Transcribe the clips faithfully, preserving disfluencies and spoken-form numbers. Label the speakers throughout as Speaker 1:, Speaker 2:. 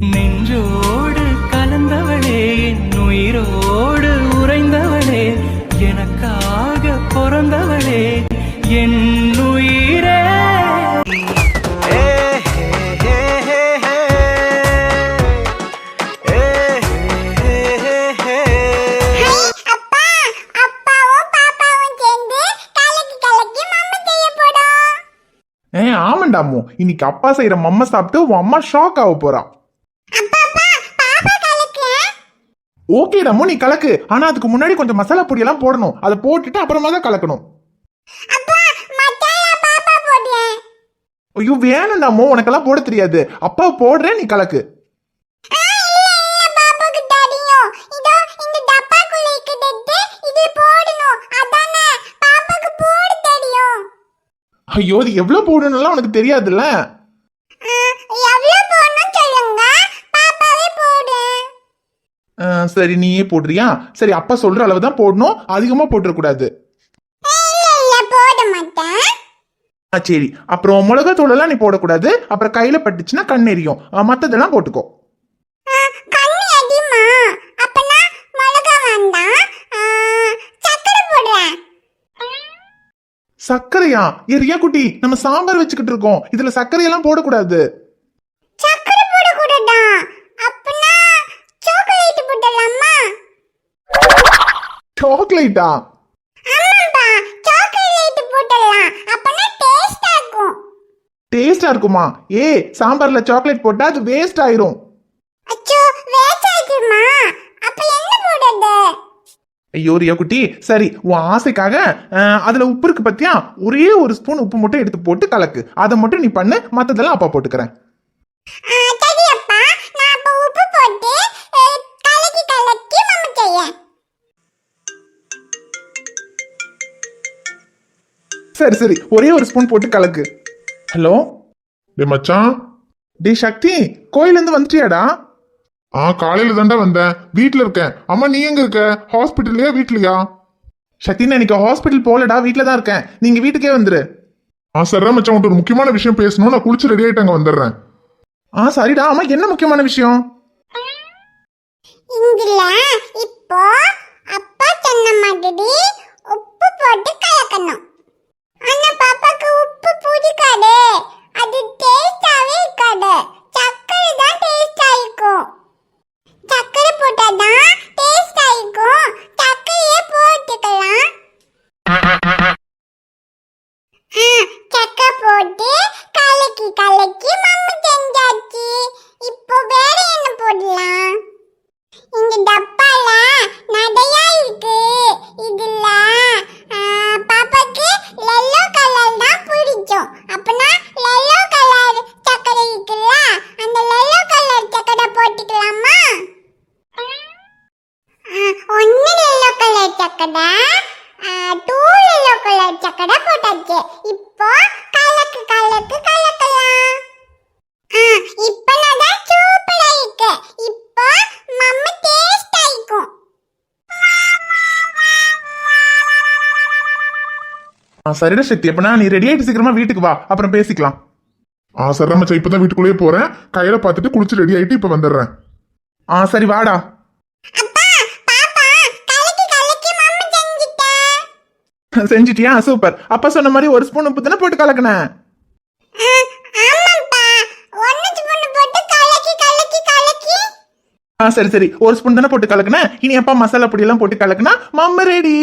Speaker 1: நெஞ்சோடு கலந்தவளே, என் உயிரோடு உறைந்தவளே, எனக்காக பிறந்தவளே, என் உயிரே.
Speaker 2: ஏ ஆமாண்டாமோ, இன்னைக்கு அப்பா செய்யற மம்ம சாப்பிட்டு உன் அம்மா ஷாக் ஆக போறான். ஓகேடாமோ நீ கலக்கு, ஆனா அதுக்கு முன்னாடி கொஞ்சம் மசாலா பொடி எல்லாம் போடணும். அதை போட்டுட்டு அப்புறமா தான் கலக்கணும். ஐயோ வேணும்டாமோ, உனக்கெல்லாம் போட தெரியாது. அப்பா போடுறேன், நீ கலக்கு. ஐயோ இது எவ்வளவு போடணும்லாம் உனக்கு தெரியாதுல்ல. சரி நீயே போடுறியா? சரி அப்பா சொல்ற அளவு தான் போடணும், அதிகமா போட்டுற கூடாது. சரி அப்புறம் மிளகாத்தூள் எல்லாம் நீ போடக்கூடாது, அப்புறம் கையில பட்டுச்சுன்னா கண் எரியும். மத்ததெல்லாம் போட்டுக்கோ. சர்க்கரையா? எரியா குட்டி, நம்ம சாம்பார் வச்சுக்கிட்டு இருக்கோம், இதுல சர்க்கரையெல்லாம் போடக்கூடாது. சாக்லேட்டா? டேஸ்டா இருக்குமா? ஏ சாம்பார்ல சாக்லேட் போட்டா அது வேஸ்ட் ஆயிரும். ஐயோ ரியா குட்டி, சரி உன் ஆசைக்காக அதுல உப்பு இருக்கு பத்தியா, ஒரே ஒரு ஸ்பூன் உப்பு மட்டும் எடுத்து போட்டு கலக்கு. அதை மட்டும் நீ பண்ணு, மத்ததெல்லாம் அப்பா போட்டுக்கிறேன். சரி சரி ஒரே ஒரு ஸ்பூன் போட்டு கலக்கு. ஹலோ
Speaker 3: டே மச்சான்.
Speaker 2: டே சக்தி, கோயில இருந்து வந்துட்டியாடா?
Speaker 3: ஆ காலையில தாண்டா வந்தேன், வீட்டுல இருக்கேன். அம்மா நீ எங்க இருக்க? ஹாஸ்பிட்டல்லையா வீட்லயா?
Speaker 2: சக்தி நான் இன்னைக்கு ஹாஸ்பிட்டல் போகலடா, வீட்டுல தான் இருக்கேன். நீங்க வீட்டுக்கே வந்துரு.
Speaker 3: ஆ சரிடா மச்சான், உன்கிட்ட ஒரு முக்கியமான விஷயம் பேசணும். நான் குளிச்சு ரெடி ஆயிட்டு அங்க வந்துடுறேன்.
Speaker 2: ஆ சரிடா. ஆமா என்ன முக்கியமான விஷயம்?
Speaker 4: இப்போ அப்பா சொன்ன மாதிரி உப்பு போட்டு கலக்கணும். ஆனா பாப்பாக்கு உப்பு பிடிக்காது, அது டேஸ்டாவே இருக்காது. சக்கரை தான் டேஸ்டா இருக்கும். சக்கரை போட்டாதான் டேஸ்டா இருக்கும். சக்கரையே போட்டுக்கலாம். சக்கரை போட்டு கலக்கி கலக்கி மம்மி செஞ்சாச்சு. இப்போ வேற என்ன போடலாம்? இந்த டப்பால நிறையா இருக்கு. இதுல பாப்பாக்கு எல்லோ கலர் தான் பிடிக்கும். அப்பனா எல்லோ கலர் சக்கரை இருக்குல்ல, அந்த எல்லோ கலர் சக்கரை போட்டுக்கலாமா? ஒன்னு எல்லோ கலர் சக்கரை, டூ எல்லோ கலர் சக்கரை போட்டாச்சு. இப்போ கலக்கு கலக்கு கலக்கலாம். இப்போ நான் சூப்பரா இருக்கு. இப்போ மம்மி டேஸ்ட் ஆயிக்கும்.
Speaker 2: சரிடா சக்தி, அப்பனா நீ ரெடி ஆயிட்டு சீக்கிரமா வீட்டுக்கு வா, அப்புறம் பேசிக்கலாம்.
Speaker 3: ஆ சரிடா மச்சான், இப்பதான் வீட்டுக்குள்ளேயே போறேன். கையில பார்த்துட்டு குளிச்சு ரெடி ஆயிட்டு இப்ப வந்துடுறேன்.
Speaker 2: ஆ சரி வாடா. செஞ்சிட்டியா? சூப்பர். அப்பா சொன்ன மாதிரி ஒரு ஸ்பூன் உப்பு தானே போட்டு கலக்கினேன். ஆ சரி சரி ஒரு ஸ்பூன் தானே போட்டு கலக்கினேன். இனி அப்பா மசாலா பொடி எல்லாம் போட்டு கலக்கினா மம்ம ரெடி.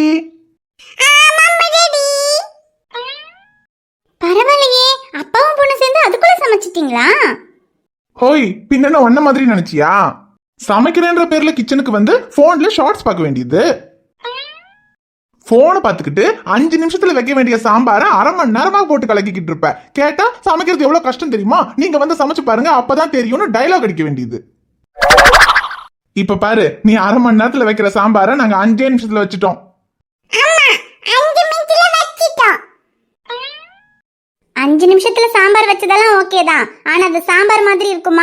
Speaker 4: பரவாயில்லையே, அப்பாவும் பொண்ணு சேர்ந்து அதுக்குள்ள சமைச்சிட்டீங்களா?
Speaker 2: ஹோய் பின்ன ஒன்ன மாதிரி நினைச்சியா? சமைக்கிறேன்ற பேர்ல கிச்சனுக்கு வந்து போன்ல ஷார்ட்ஸ் பார்க்க வேண்டியது. போனை பார்த்துக்கிட்டு அஞ்சு நிமிஷத்துல வைக்க வேண்டிய சாம்பார அரை மணி நேரமா போட்டு கலக்கிக்கிட்டு இருப்ப. கேட்டா சமைக்கிறது எவ்வளவு கஷ்டம் தெரியுமா, நீங்க வந்து சமைச்சு பாருங்க அப்பதான் தெரியும்னு டைலாக் அடிக்க வேண்டியது. இப்ப பாரு, நீ அரை மணி நேரத்துல வைக்கிற சாம்பார நாங்க அஞ்சே நிமிஷத்துல வச்சுட்டோம்.
Speaker 4: அஞ்சு நிமிஷத்துல சாம்பார் வச்சதெல்லாம் ஓகே தான், ஆனா அது சாம்பார் மாதிரி இருக்குமா?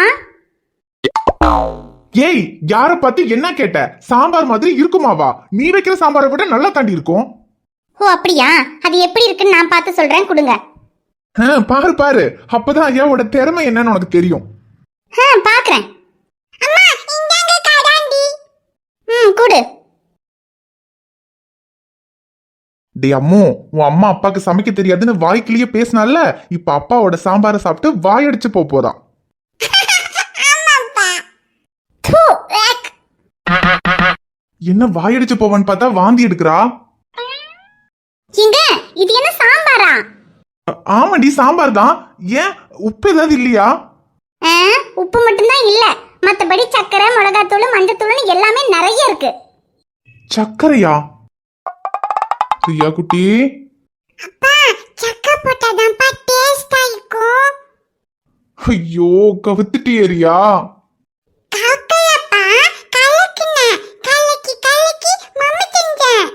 Speaker 2: ஏய் யார பார்த்து என்ன கேட்ட? சாம்பார் மாதிரி இருக்குமாவா? நீ வைக்கிற சாம்பாரை விட நல்லா தாண்டி இருக்கும்.
Speaker 4: ஓ அப்படியா? அது எப்படி இருக்குன்னு நான் பார்த்து சொல்றேன், கொடுங்க.
Speaker 2: பாரு பாரு, அப்பதான் ஐயாவோட திறமை என்னன்னு உனக்கு தெரியும்.
Speaker 4: பாக்குறேன். ம் கொடு.
Speaker 2: டே அம்மு, உன் அம்மா அப்பாக்கு சமைக்க தெரியாதுன்னு வாய்க்கிலேயே பேசினால, இப்ப அப்பாவோட சாம்பாரை சாப்பிட்டு வாயடிச்சு போப் போறான்.
Speaker 4: தூ, வேக்.
Speaker 2: என்ன வாயடிச்சு போவான்னு பார்த்தா வாந்தி எடுக்கிறா.
Speaker 4: இங்க இது என்ன சாம்பாரா?
Speaker 2: அ- ஆமாடி சாம்பார் தான். ஏன் உப்பு ஏதாவது இல்லையா?
Speaker 4: ஆ, உப்பு மட்டும்தான் இல்ல, மத்தபடி சக்கரை, மிளகாத்தூள், மஞ்சத்தூள்னு எல்லாமே நிறைய இருக்கு.
Speaker 2: சர்க்கரையா? பிரியா குட்டி,
Speaker 4: அப்பா, சக்கரை போட்டாதான்ப்பா டேஸ்டா இருக்கும்.
Speaker 2: ஐயோ கவுத்துட்டியரியா.
Speaker 4: கலக்கலப்பா, கலக்குன. கலக்கி கலக்கி மம்மி செஞ்சேன்.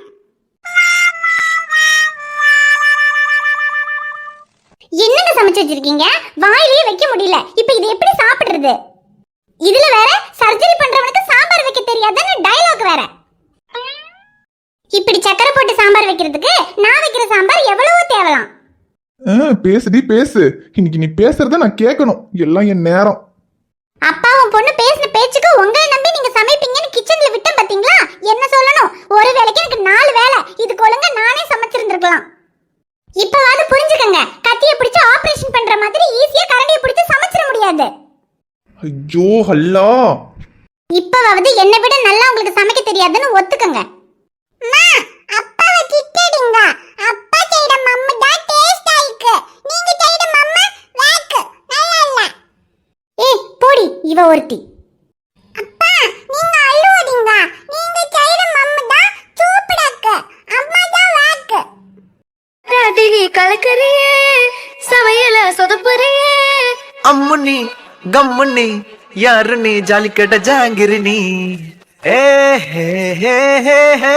Speaker 4: என்னங்க சமைச்சு வச்சிருக்கீங்க? வாயிலேயே வைக்க முடியல. இப்போ இது எப்படி சாப்பிடுறது? இதுல வேற சர்ஜரி பண்றவனுக்கு சாம்பார் வைக்க தெரியாதுன்னு டயலாக் வேற. இப்படி சக்கரை போட்டு சாம்பார் வைக்கிறதுக்கு நான் வைக்கிற சாம்பார் எவ்வளவோ தேவலாம்.
Speaker 2: ஆ, பேசுடி பேசு. இன்னைக்கு நீ பேசுறத நான் கேட்கணும். எல்லாம் என் நேரம்.
Speaker 4: அப்பாவும் பொண்ணு பேசின பேச்சுக்கு உங்களை நம்பி நீங்க சமைப்பீங்கன்னு கிச்சன்ல விட்டேன் பாத்தீங்களா? என்ன சொல்லணும், ஒரு வேளைக்கு எனக்கு நாலு வேலை. இதுக்கு ஒழுங்கா நானே சமைச்சிருந்திருக்கலாம். இப்பவாவது புரிஞ்சுக்கங்க, கத்தியை பிடிச்சு ஆபரேஷன் பண்ற மாதிரி ஈஸியா கரண்டியை பிடிச்சு சமைச்சிட முடியாது.
Speaker 2: ஐயோ ஹல்லா.
Speaker 4: இப்பவாவது என்னை விட நல்லா உங்களுக்கு சமைக்க தெரியாதுன்னு ஒத்துக்கங்க. அம்மா, அப்பாவை திட்டிடுங்க. அப்பா செய்யற மம்மு தான் டேஸ்டா இருக்கு. நீங்க செய்யற மம்மு வேக் நல்லா இல்ல. ஏய் போடி இவ ஒருத்தி. அப்பா நீங்க அழுவதீங்க. நீங்க செய்யற மம்மு தான் சூப்பரா இருக்கு. அம்மா தான் வேக்.
Speaker 5: ராத்திரி கலக்கறியே சமையல சொதப்புறியே.
Speaker 1: அம்முனி கம்முனி யாருனி ஜாலிக்கட்ட ஜாங்கிரினி. ஏ ஹே ஹே ஹே ஹே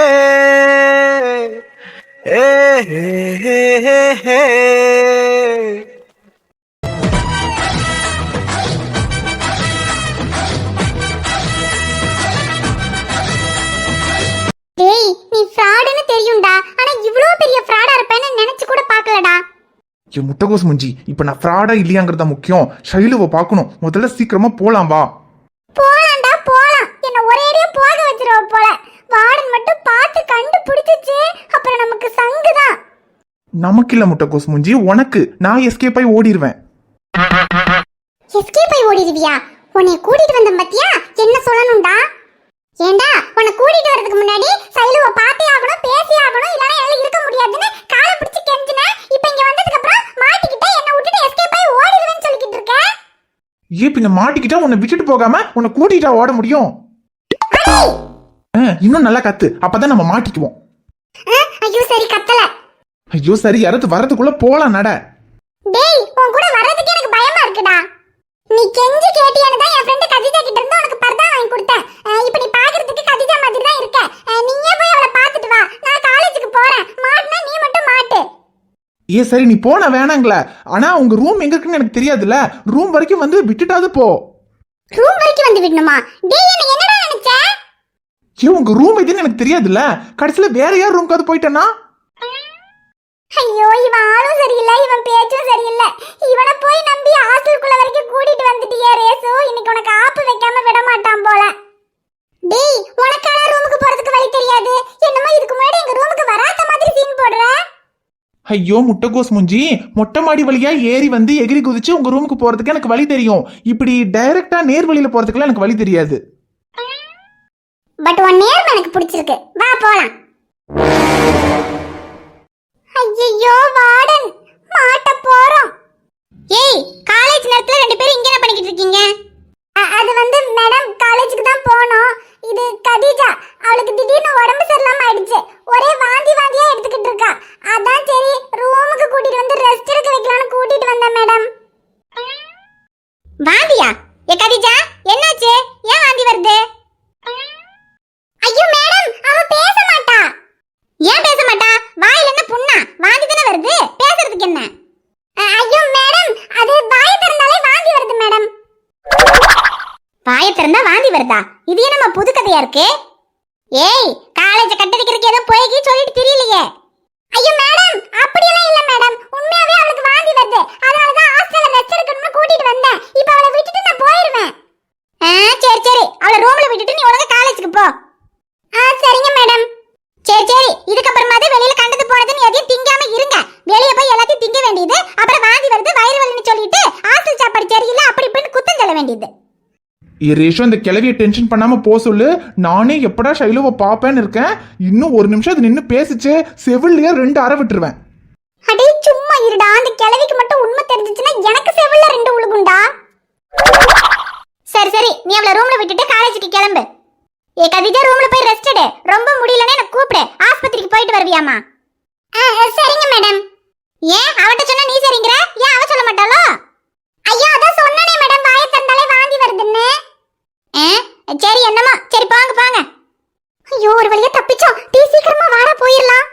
Speaker 1: ஏ ஹே ஹே ஹே ஹே.
Speaker 4: டேய் நீ ஃப்ராடுன்னு தெரியும்டா, ஆனா இவ்ளோ பெரிய ஃப்ராடா இருப்பேன்னு நினைச்சு கூட பார்க்கலடா.
Speaker 2: என் முட்டைகோஸ் முஞ்சி, இப்ப நான் ஃப்ராடா இல்லையாங்கிறதா முக்கியம். ஷைலுவை பார்க்கணும். முதல்ல சீக்கிரமா போலாம் வா.
Speaker 4: போலாம்டா போலாம். என்ன ஒரேடியா போக வச்சிருவ போல. வார்டன் மட்டும் பார்த்து கண்டுபிடிச்சிச்சு அப்புறம் நமக்கு சங்குதான்.
Speaker 2: நமக்கு இல்ல முட்டைகோஸ் முஞ்சி, உனக்கு. நான் எஸ்கேப் ஆகி ஓடிடுவேன்.
Speaker 4: எஸ்கேப் ஆகி ஓடிடுவியா? உன்னை கூட்டிட்டு வந்த பத்தியா என்ன சொல்லணும்டா? ஏண்டா உன்னை கூட்டிட்டு வரதுக்கு முன்னாடி சைலுவ பார்த்தே ஆகணும், பேசி ஆகணும், இல்லனா என்னால இருக்க முடியாதுன்னு காலை பிடிச்சு கெஞ்சின. இப்போ இங்க வந்ததுக்கு அப்புறம் மாட்டிக்கிட்ட என்ன விட்டுட்டு எஸ்கேப் ஆகி ஓடிடுவேன்னு சொல்லிக்கிட்டு இருக்க.
Speaker 2: ஏ பின்ன மாட்டிக்கிட்டா உன்னை விட்டுட்டு போகாம உன்னை கூட்டிட்டா ஓட முடியும்? ஆ, இன்னும் நல்லா கத்து, அப்பதான் நம்ம மாட்டிக்குவோம்.
Speaker 4: ஐயோ சரி கத்தல.
Speaker 2: ஐயோ சரி, யாராவது வரதுக்குள்ள போலாம் நட.
Speaker 4: டேய் உன் கூட வர்றதுக்கு எனக்கு பயமா இருக்குடா. நீ கெஞ்சி கேட்டியானு தான் என் ஃப்ரெண்ட் கதிஜா கிட்ட இருந்து உனக்கு பர்தா வாங்கி கொடுத்தேன். இப்போ நீ பாக்குறதுக்கு கதிஜா மாதிரி தான் இருக்க. நீயே போய் அவளை பார்த்துட்டு வா. நான் காலேஜுக்கு போறேன். மாட்டினா நீ மட்டும் மாட்டு.
Speaker 2: ஏ சரி நீ போன வேணாங்களே, ஆனா உங்க ரூம் எங்க இருக்குன்னு எனக்கு தெரியாதுல்ல. ரூம் வரைக்கும் வந்து விட்டுட்டாது போ.
Speaker 4: ரூம் வரைக்கும் வந்து விடணுமா? டேய் என்ன என்னடா நினைச்ச?
Speaker 2: ஏ உங்க ரூம் எதுன்னு எனக்கு தெரியாதுல்ல. கடைசியில வேற யார் ரூம்காவது போயிட்டேன்னா?
Speaker 4: ஐயோ இவன் ஆளும் சரியில்லை, இவன் பேச்சும் சரியில்லை. இவனை போய் நம்பி ஹாஸ்டலுக்குள்ள வரைக்கும் கூட்டிட்டு வந்துட்டியே ரேசு. இன்னைக்கு உனக்கு ஆப்பு வைக்காம விட மாட்டான் போல. டேய் உனக்கான ரூமுக்கு போறதுக்கு வழி தெரியாது. என்னமோ இதுக்கு முன்னாடி எங்க ரூமுக்கு வராத மாதிரி சீன் போடுற.
Speaker 2: ஐயோ முட்டைகோஸ் முஞ்சி, மொட்டை மாடி வழியா ஏறி வந்து எகிரி குதிச்சு உங்க ரூமுக்கு போறதுக்கு எனக்கு வழி தெரியும். இப்படி டைரக்டா நேர் வழியில போறதுக்குலாம் எனக்கு வழி தெரியாது.
Speaker 4: பட் உன் நேர்மை எனக்கு பிடிச்சிருக்கு. வா போலாம். ஐயோ வார்டன் மாட்ட போறோம். ஏய் காலேஜ் நேரத்துல ரெண்டு பேரும் இங்க என்ன பண்ணிக்கிட்டு இருக்கீங்க? அது வந்து மேடம் காலேஜுக்கு தான் போனோம். இது கதீஜா, அவளுக்கு திடீர்னு உடம்பு சரியில்லாம ஆயிடுச்சு. ஒரே வாந்தி வாந்தியா எடுத்துக்கிட்டு இருக்கா. அதான் சரி ரூமுக்கு கூட்டிட்டு வந்து ரெஸ்ட் எடுக்க வைக்கலாம்னு கூட்டிட்டு வந்தேன் மேடம். வாந்தியா? ஏ கதீஜா என்னாச்சு? ஏன் வாந்தி வருது? ஐயோ மேடம் அவ பேச மாட்டா. ஏன் பேச மாட்டா? வாயில என்ன புண்ணா? வாந்தி தானே வருது, பேசுறதுக்கு என்ன? ஐயோ மேடம் அது வாய் திறந்தாலே வாந்தி வருது மேடம். வாயை திறந்தா வாந்தி வருதா? இது என்னமா புது கதையா இருக்கு? ஏய் காலேஜ கட்டடிக்கிறதுக்கு ஏதோ போய்கி சொல்லிட்டு தெரியலையே. ஐயோ மேடம் அப்படியெல்லாம் இல்ல மேடம், உண்மையாவே அவளுக்கு வாந்தி வருது. அதனால தான் ஹாஸ்டல்ல ரெஸ்ட் எடுக்கணும்னு கூட்டிட்டு வந்தேன். இப்போ அவளை விட்டுட்டு நான் போயிடுவேன். ஆ சரி சரி, அவளை ரூம்ல விட்டுட்டு நீ ஒழுங்கா காலேஜுக்கு போ. வேண்டியது.
Speaker 2: ரேஷோ இந்த கிளவிய டென்ஷன் பண்ணாம போ சொல்லு. நானே எப்படா ஷைலுவை பாப்பேன்னு இருக்கேன். இன்னும் ஒரு நிமிஷம் அது நின்னு பேசிச்சு செவிலியா ரெண்டு அரை விட்டுருவேன்.
Speaker 4: அடே சும்மா இருடா. அந்த கிழவிக்கு மட்டும் உண்மை தெரிஞ்சிச்சுன்னா எனக்கு செவில்ல ரெண்டு உழுகுண்டா. சரி சரி, நீ அவளை ரூம்ல விட்டுட்டு காலேஜுக்கு கிளம்பு. ஏ கவிதா, ரூம்ல போய் ரெஸ்ட் எடு. ரொம்ப முடியலன்னா எனக்கு கூப்பிடு, ஆஸ்பத்திரிக்கு போயிட்டு வருவியாமா? சரிங்க மேடம். ஏன் அவட்ட சொன்னா நீ சரிங்கற? ஏன் அவ சொல்ல மாட்டாளோ? ஐயா அதான் சொன்னனே மேடம், வாயை திறந்தாலே வாந்தி வருதுன்னு. சரி என்னமா, சரி போங்க போங்க. ஐயோ ஒரு வழியா தப்பிச்சோம். டீ சீக்கிரமா வாடா போயிரலாம்.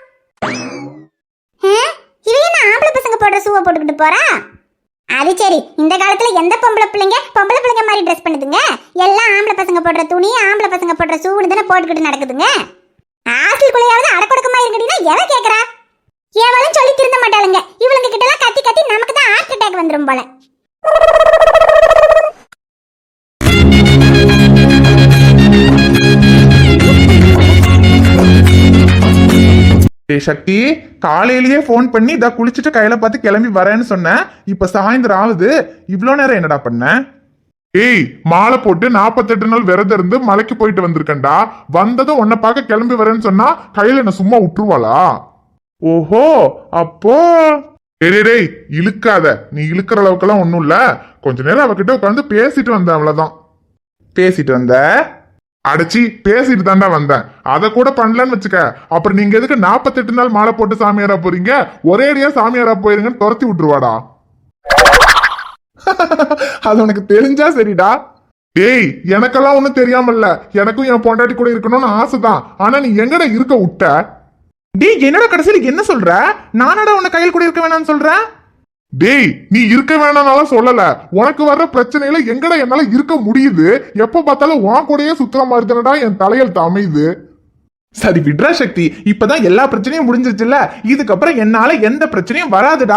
Speaker 4: இவன் என்ன ஆம்பளை பசங்க போடுற ஷூவை போட்டுக்கிட்டு போறா? அது சரி, இந்த காலத்துல எந்த பொம்பளை பிள்ளைங்க பொம்பளை பிள்ளைங்க மாதிரி ட்ரெஸ் பண்ணுதுங்க? எல்லாம் ஆம்பளை பசங்க போடுற துணி, ஆம்பளை பசங்க போடுற ஷூன்னு தானே போட்டுக்கிட்டு நடக்குதுங்க. ஹாஸ்டலுக்குள்ளேயாவது அடக்கொடுக்கமா இருக்கீங்கன்னா எவன் கேக்குறா? எவளும் சொல்லி திருந்த மாட்டாளுங்க. இவளுங்க கிட்ட எல்லாம் கத்தி கத்தி நமக்கு தான் ஹார்ட் அட்டாக் வந்துரும் போல.
Speaker 2: சக்தி, காலையிலேயே போன் பண்ணி இதா குளிச்சுட்டு கையில பார்த்து கிளம்பி வரேன்னு சொன்னேன். இப்ப சாயந்தரம் ஆகுது. இவ்வளவு நேரம் என்னடா பண்ண?
Speaker 3: ஏய், மாலை போட்டு நாப்பத்தெட்டு நாள் விரதம் இருந்து மலைக்கு போயிட்டு வந்திருக்கேன்டா. வந்ததும் உன்னை பார்க்க கிளம்பி வரேன்னு சொன்னா கையில என்ன சும்மா விட்டுருவாளா?
Speaker 2: ஓஹோ, அப்போ
Speaker 3: டேய் இழுக்காத. நீ இழுக்கிற அளவுக்குலாம் ஒண்ணும் இல்ல. கொஞ்ச நேரம் அவகிட்ட உட்காந்து பேசிட்டு வந்தேன், அவ்வளவுதான்.
Speaker 2: பேசிட்டு வந்த?
Speaker 3: அடைச்சி பேசிட்டு தாண்டா வந்தேன். அதை கூட பண்ணலன்னு வச்சுக்க. அப்புறம் நீங்க எதுக்கு நாப்பத்தெட்டு நாள் மாலை போட்டு சாமியாரா போறீங்க? ஒரேடியா சாமியாரா போயிருங்கன்னு துரத்தி விட்டுருவாடா.
Speaker 2: அது உனக்கு தெரிஞ்சா சரிடா.
Speaker 3: டேய், எனக்கெல்லாம் ஒண்ணும் தெரியாமல்ல. எனக்கும் என் பொண்டாட்டி கூட இருக்கணும்னு ஆசைதான். ஆனா நீ எங்கடா இருக்க விட்ட?
Speaker 2: டேய், என்னடா கடைசியில என்ன சொல்ற? நானடா உன்னை கையில் கூட இருக்க வேணாம்னு சொல்றேன்.
Speaker 3: டேய், நீ இருக்க வேணாம்னாலும் சொல்லல. உனக்கு வர்ற பிரச்சனையில எங்கடா என்னால இருக்க முடியுது? எப்ப பார்த்தாலும் உன் கூடயே சுத்துற மாதிரி தானடா என் தலையெழுத்து அமையுது.
Speaker 2: சரி விட்ரா சக்தி, இப்பதான் எல்லா பிரச்சனையும் முடிஞ்சிருச்சுல்ல. இதுக்கப்புறம் என்னால எந்த பிரச்சனையும் வராதுடா.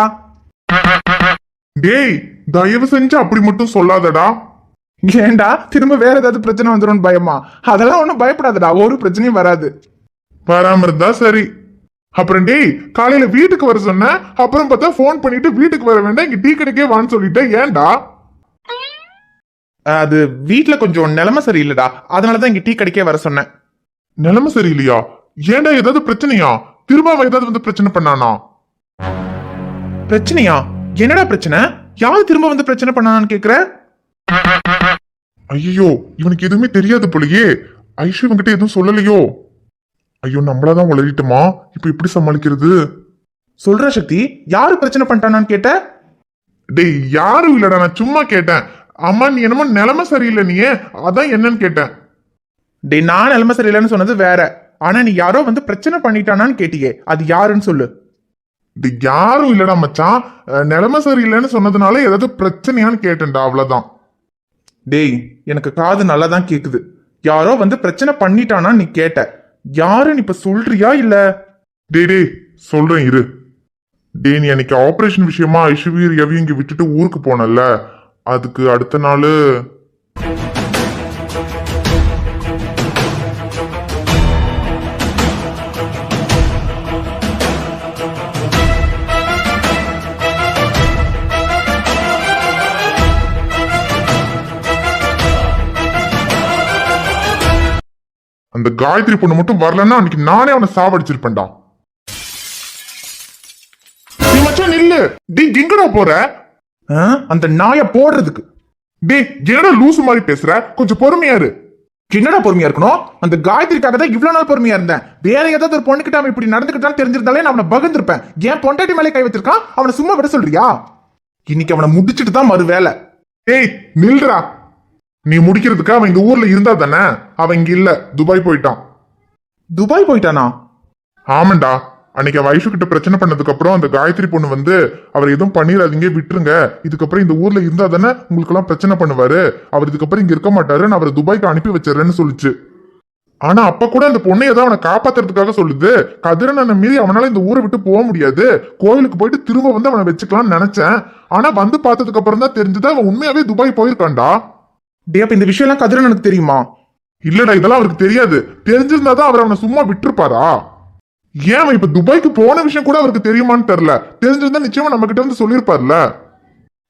Speaker 3: டேய், தயவு செஞ்சு அப்படி மட்டும் சொல்லாதடா.
Speaker 2: ஏண்டா திரும்ப வேற ஏதாவது பிரச்சனை வந்துடும் பயமா? அதெல்லாம் ஒண்ணும் பயப்படாதடா, ஒரு பிரச்சனையும் வராது.
Speaker 3: வராம இருந்தா சரி. அப்புறம் டேய், காலையில வீட்டுக்கு வர சொன்ன, அப்புறம் பார்த்தா போன் பண்ணிட்டு வீட்டுக்கு வர வேண்டாம், இங்க டீ கடைக்கே வான்னு சொல்லிட்டேன். ஏன்டா?
Speaker 2: அது வீட்டுல கொஞ்சம் நிலைமை சரியில்லைடா, அதனாலதான் இங்க டீ கடைக்கே வர சொன்னேன்.
Speaker 3: நிலைமை சரியில்லையா? ஏன்டா, ஏதாவது பிரச்சனையா? திரும்ப அவன் ஏதாவது வந்து பிரச்சனை பண்ணானா?
Speaker 2: பிரச்சனையா? என்னடா பிரச்சனை? யாரு திரும்ப வந்து பிரச்சனை பண்ணான்னு கேக்குற?
Speaker 3: ஐயோ, இவனுக்கு எதுவுமே தெரியாது போலயே. ஐஷு இவங்கிட்ட எதுவும் சொல்லலையோ? ஐயோ, நம்மளாதான் உளறிட்டோமா? இப்ப எப்படி சமாளிக்கிறது?
Speaker 2: சொல்ற சக்தி, யாரு பிரச்சனை பண்ணிட்டானான்னு கேட்ட?
Speaker 3: டேய், யாரும் இல்லடா, நான் சும்மா கேட்டேன். அம்மா, நீ என்னமோ நிலைமை சரியில்லை, நீ அதான் என்னன்னு கேட்டேன்.
Speaker 2: டேய், நான் நிலைமை சரியில்லைன்னு சொன்னது வேற. ஆனா நீ யாரோ வந்து பிரச்சனை பண்ணிட்டானான்னு கேட்டியே, அது யாருன்னு சொல்லு.
Speaker 3: டேய், யாரும் இல்லடா மச்சான். நிலைமை சரியில்லைன்னு சொன்னதுனால ஏதாவது பிரச்சனையான்னு கேட்டேன்டா, அவ்வளவுதான்.
Speaker 2: டேய், எனக்கு காது நல்லா தான் கேக்குது. யாரோ வந்து பிரச்சனை பண்ணிட்டானான்னு நீ கேட்ட. யாருன்னு இப்ப சொல்றியா இல்ல?
Speaker 3: டேய் டேய் சொல்றேன் இரு. டேய், நீ அன்னைக்கு ஆபரேஷன் விஷயமா ஐஸ்வர்யா ரவி இங்க விட்டுட்டு ஊருக்கு போனல, அதுக்கு அடுத்த நாள் அந்த காயத்ரி பொண்ணு மட்டும் வரலன்னா அன்னைக்கு நானே அவனை சாவடிச்சிருப்பேன்டா. நீ மச்சான் நில்லு. டேய், எங்கடா போற?
Speaker 2: அந்த நாய போடுறதுக்கு.
Speaker 3: டேய், என்னடா லூசு மாதிரி பேசுற? கொஞ்சம் பொறுமையா இரு.
Speaker 2: என்னடா பொறுமையா இருக்கணும்? அந்த காயத்ரிக்காக தான் இவ்வளவு நாள் பொறுமையா இருந்தேன். வேற ஏதாவது ஒரு பொண்ணுகிட்ட அவன் இப்படி நடந்துக்கிட்டான்னு தெரிஞ்சிருந்தாலே நான் அவனை பகிர்ந்திருப்பேன். ஏன் பொண்டாட்டி மேலே கை வச்சிருக்கான்? அவனை சும்மா விட சொல்றியா? இன்னைக்கு அவனை முடிச்சிட்டு தான் மறு வேலை.
Speaker 3: ஏய் நில்றா. நீ முடிக்கிறதுக்கு அவன் இந்த ஊர்ல இருந்தா தானே? அவன் இங்க இல்ல, துபாய் போயிட்டான்.
Speaker 2: துபாய் போயிட்டானா?
Speaker 3: ஆமாண்டா. அன்னைக்கு அவ ஐஷு கிட்ட பிரச்சனை பண்ணதுக்கு அப்புறம் அந்த காயத்ரி பொண்ணு வந்து அவர் எதுவும் பண்ணிடாதீங்க, விட்டுருங்க, இதுக்கப்புறம் இந்த ஊர்ல இருந்தா தானே உங்களுக்கு எல்லாம் பிரச்சனை பண்ணுவாரு, அவர் இதுக்கப்புறம் இங்க இருக்க மாட்டாரு, நான் அவரை துபாய்க்கு அனுப்பி வச்சிடறேன்னு சொல்லிச்சு. ஆனா அப்ப கூட அந்த பொண்ணு ஏதோ அவனை காப்பாத்துறதுக்காக சொல்லுது. கதிரனை மீறி அவனால இந்த ஊரை விட்டு போக முடியாது, கோயிலுக்கு போயிட்டு திரும்ப வந்து அவனை வச்சுக்கலாம்னு நினைச்சேன். ஆனா வந்து பார்த்ததுக்கு அப்புறம் தான் தெரிஞ்சது அவன் உண்மையாவே துபாய் போயிருக்கான்டா.
Speaker 2: டே, அப்ப இந்த விஷயம் எல்லாம் கதிரனுக்கு தெரியுமா?
Speaker 3: இல்லடா, இதெல்லாம் அவருக்கு தெரியாது. தெரிஞ்சிருந்தாதான் அவர் அவனை சும்மா விட்டுருப்பாரா? ஏன் அவன் இப்ப துபாய்க்கு போன விஷயம் கூட அவருக்கு தெரியுமான்னு தெரியல. தெரிஞ்சிருந்தா நிச்சயமா நம்ம கிட்ட வந்து சொல்லியிருப்பார்ல.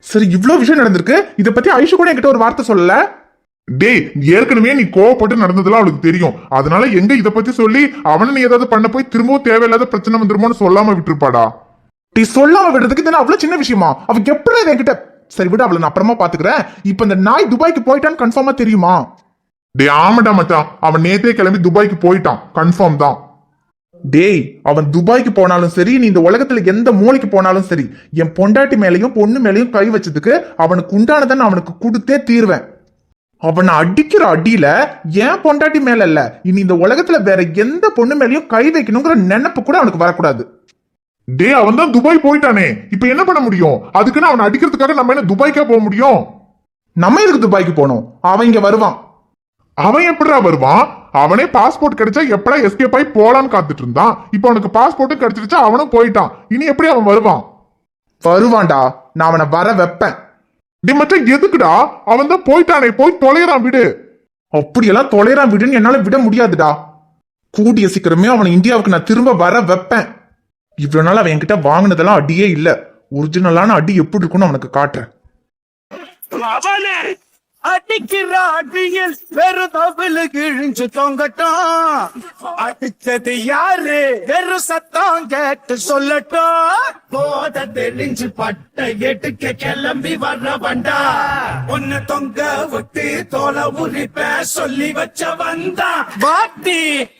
Speaker 2: சரி, இவ்ளோ விஷயம் நடந்திருக்கு. இத பத்தி ஐஷு கூட என்கிட்ட ஒரு வார்த்தை சொல்லல.
Speaker 3: டேய், ஏற்கனவே நீ கோவப்பட்டு நடந்ததுலாம் அவளுக்கு தெரியும். அதனால எங்க இத பத்தி சொல்லி அவனை நீ ஏதாவது பண்ண போய் திரும்பவும் தேவையில்லாத பிரச்சனை வந்துருமோன்னு சொல்லாம விட்டுருப்பாடா.
Speaker 2: நீ சொல்லாம விடுறதுக்கு இது அவ்வளவு சின்ன விஷயமா? அவ எப்படி என்கிட்ட சரி விட, அவளை நான் அப்புறமா பாத்துக்கிறேன். இப்ப இந்த நாய் துபாய்க்கு போயிட்டான்னு கன்ஃபார்மா தெரியுமா?
Speaker 3: டேய் ஆமாடா மச்சான், அவன் நேத்தே கிளம்பி துபாய்க்கு போயிட்டான், கன்ஃபார்ம் தான்.
Speaker 2: டேய், அவன் துபாய்க்கு போனாலும் சரி, நீ இந்த உலகத்துல எந்த மூலைக்கு போனாலும் சரி, என் பொண்டாட்டி மேலையும் பொண்ணு மேலையும் கை வச்சதுக்கு அவனுக்கு உண்டானதை நான் அவனுக்கு கொடுத்தே தீர்வேன். அவனை அடிக்கிற அடியில ஏன் பொண்டாட்டி மேல இல்ல, இனி இந்த உலகத்துல வேற எந்த பொண்ணு மேலயும் கை வைக்கணுங்கிற நினைப்பு கூட அவனுக்கு வரக்கூடாது.
Speaker 3: டே அவன் தான் துபாய் போயிட்டானே, இப்ப என்ன பண்ண முடியும்? அதுக்குன்னு அவனை அடிக்கிறதுக்காக நம்ம என்ன துபாய்க்கா போக முடியும்?
Speaker 2: நம்ம எதுக்கு துபாய்க்கு போனோம்? அவன் இங்க வருவான்.
Speaker 3: அவன் எப்படிடா வருவான்? அவனே பாஸ்போர்ட் கிடைச்சா எப்படா எஸ்கேப் ஆகி போலான்னு காத்துட்டு இருந்தான். இப்ப அவனுக்கு பாஸ்போர்ட்டும் கிடைச்சிருச்சா, அவனும் போயிட்டான். இனி எப்படி அவன் வருவான்?
Speaker 2: வருவான்டா, நான் அவனை வர வைப்பேன்.
Speaker 3: டே மச்சான் எதுக்குடா? அவன் தான் போயிட்டானே, போய் தொலைறான் விடு.
Speaker 2: அப்படியெல்லாம் தொலைறான் விடுன்னு என்னால விட முடியாதுடா. கூடிய சீக்கிரமே அவனை இந்தியாவுக்கு நான் திரும்ப வர வைப்பேன். இவ்வளவு நாள் அவன் என்கிட்ட வாங்கினதெல்லாம் அடியே இல்ல. ஒரிஜினலான அடி எப்படி இருக்குன்னு அவனுக்கு காட்டுறேன்.
Speaker 1: அடிக்கிற அடியில் வெறும் தவிழு கிழிஞ்சு தொங்கட்டும். அடிச்சது யாரு வெறும் சத்தம் கேட்டு சொல்லட்டும். போத தெளிஞ்சு பட்ட எடுக்க கிளம்பி வர்ற வண்டா. ஒன்னு தொங்க விட்டு தோலை உரிப்ப சொல்லி வச்ச வந்தா வாட்டி.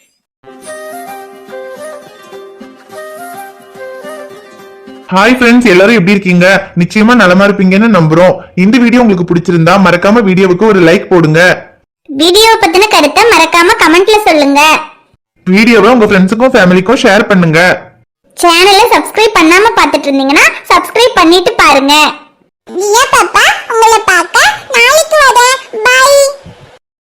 Speaker 2: ஹாய் ஃப்ரெண்ட்ஸ், எல்லாரும் எப்படி இருக்கீங்க? நிச்சயமா நலமா இருப்பீங்கன்னு நம்புறோம். இந்த வீடியோ உங்களுக்கு பிடிச்சிருந்தா மறக்காம வீடியோவுக்கு ஒரு லைக் போடுங்க.
Speaker 4: வீடியோ பத்தின கருத்தை மறக்காம கமெண்ட்ல சொல்லுங்க.
Speaker 2: வீடியோவை உங்க ஃப்ரெண்ட்ஸுக்கும் ஃபேமிலிக்கும் ஷேர் பண்ணுங்க.
Speaker 4: சேனலை சப்ஸ்கிரைப் பண்ணாம பார்த்துட்டு இருந்தீங்கன்னா சப்ஸ்கிரைப் பண்ணிட்டு பாருங்க. பாப்பா உங்களை பார்க்க நாளைக்கு வரேன். பை.